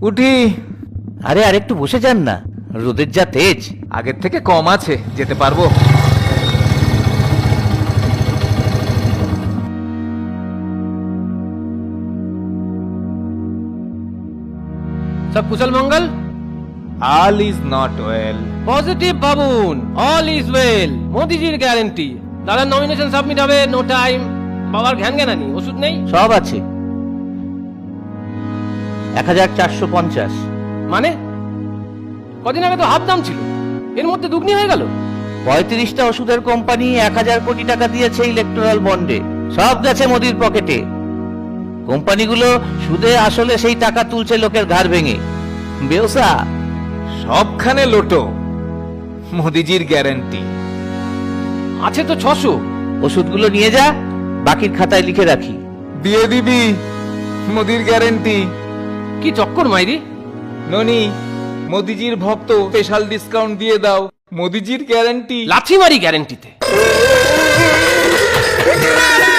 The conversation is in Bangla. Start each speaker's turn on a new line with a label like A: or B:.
A: উঠি।
B: আরে আরেকটু বসে যান না, রোদের যা তেজ।
A: আগের থেকে কম আছে, যেতে পারবো।
C: सब कुशल मंगल?
A: All is not well.
C: Positive बाबून, ऑल इज वेल। मोदी जीर গ্যারান্টি। দাদা নমিনেশন সাবমিট হবে, নো টাইম। বাবার ঘ্যান জ্ঞানানি, ওষুধ নেই?
B: সব আছে। 1450।
C: মানে কদিন আগে তো হাফ দাম ছিল, এর মধ্যে দুগুনি হয়ে গেল।
B: 35টা ওষুধের কোম্পানি 1000 কোটি টাকা দিয়েছে ইলেকট্রাল বন্ডে, সব গেছে মোদির পকেটে। কোম্পানিগুলো সুদে আসলে সেই টাকা তুলছে লোকের ঘাড় ভেঙে। বেওসা
A: সবখানে লোটো, মোদিজির গ্যারান্টি।
C: আছে তো 600।
B: ওষুধগুলো নিয়ে যা, বাকির খাতায় লিখে রাখি।
A: দিয়ে দিবি মোদির গ্যারান্টি।
C: কি চক্কর মাইরি?
A: ননি, মোদিজির ভক্ত, স্পেশাল ডিসকাউন্ট দিয়ে দাও, মোদিজির গ্যারান্টি।
C: লাথি মারি গ্যারান্টিতে।